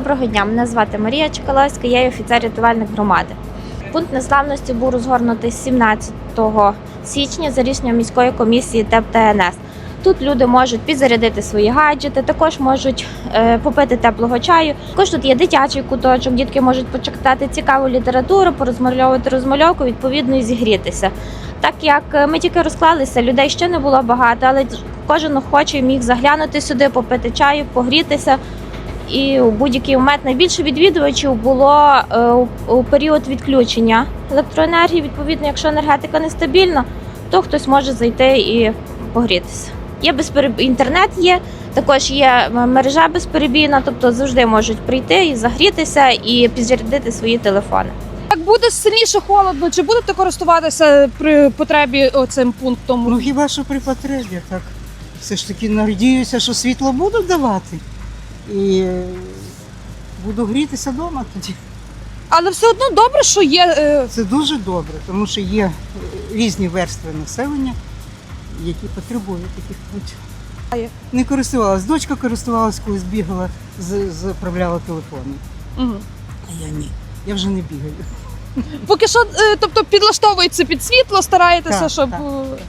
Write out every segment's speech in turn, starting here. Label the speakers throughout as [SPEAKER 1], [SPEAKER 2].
[SPEAKER 1] Доброго дня, мене звати Марія Чкаловська, я є офіцер рятувальник громади. Пункт незламності був розгорнутий 17 січня за рішенням міської комісії ТЕП та НС. Тут люди можуть підзарядити свої гаджети, також можуть попити теплого чаю. Також тут є дитячий куточок, дітки можуть почитати цікаву літературу, порозмальовувати розмальовку, відповідно і зігрітися. Так як ми тільки розклалися, людей ще не було багато, але кожен охочий міг заглянути сюди, попити чаю, погрітися. І у будь-який момент найбільше відвідувачів було у період відключення електроенергії. Відповідно, якщо енергетика нестабільна, то хтось може зайти і погрітися. Інтернет є, також є мережа безперебійна, тобто завжди можуть прийти і загрітися, і підзарядити свої телефони.
[SPEAKER 2] Як буде сильніше холодно, чи будете користуватися при потребі цим пунктом?
[SPEAKER 3] Ну хіба що при потребі, так. Все ж таки надіюся, що світло будуть давати. І буду грітися вдома тоді.
[SPEAKER 2] Але все одно добре, що є.
[SPEAKER 3] Це дуже добре, тому що є різні верстви населення, які потребують таких пунктів. Не користувалась. Дочка користувалась, коли бігала, заправляла телефони.
[SPEAKER 2] Угу.
[SPEAKER 3] А я ні. Я вже не бігаю.
[SPEAKER 2] Поки що, тобто підлаштовується під світло, стараєтеся,
[SPEAKER 3] Так,
[SPEAKER 2] щоб
[SPEAKER 3] так.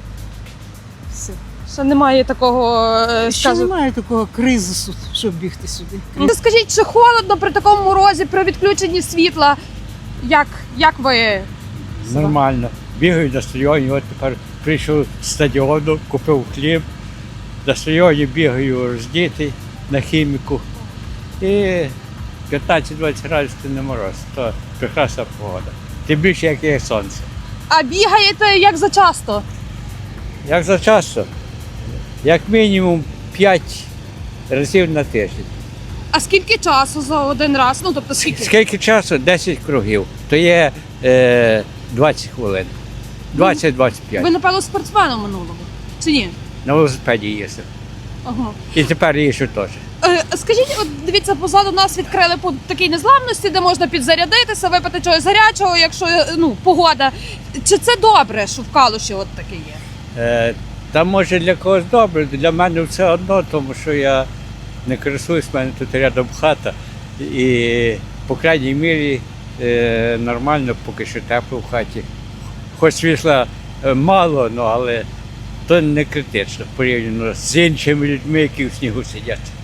[SPEAKER 3] Все.
[SPEAKER 2] ще немає такого,
[SPEAKER 3] Ще немає такого кризису, щоб бігти сюди.
[SPEAKER 2] Скажіть, чи холодно при такому морозі, при відключенні світла? Як ви?
[SPEAKER 4] Нормально. Бігаю на стадіоні, от тепер прийшов з стадіону, купив хліб. На стадіоні бігаю роздітий на хіміку. І 15-20 градусів не мороз, то прекрасна погода. Тим більше, як є сонце.
[SPEAKER 2] А бігаєте як зачасто?
[SPEAKER 4] Як за часто? Як мінімум 5 разів на тиждень.
[SPEAKER 2] А скільки часу за один раз? Ну, тобто скільки?
[SPEAKER 4] Скільки часу? 10 кругів. То є 20 хвилин. 20-25.
[SPEAKER 2] Ви, напевно, спортсменом минулого, чи ні?
[SPEAKER 4] На велосипеді їздив.
[SPEAKER 2] Ага.
[SPEAKER 4] І тепер їжджу теж.
[SPEAKER 2] Скажіть, от дивіться, позаду нас відкрили пункт такий незламності, де можна підзарядитися, випити чогось гарячого, якщо погода. Чи це добре, що в Калуші от таке є?
[SPEAKER 4] Та може для когось добре, для мене все одно, тому що я не користуюсь, в мене тут рядом хата. І по крайній мірі нормально, поки що тепло в хаті. Хоч світла мало, але то не критично порівняно з іншими людьми, які в снігу сидять.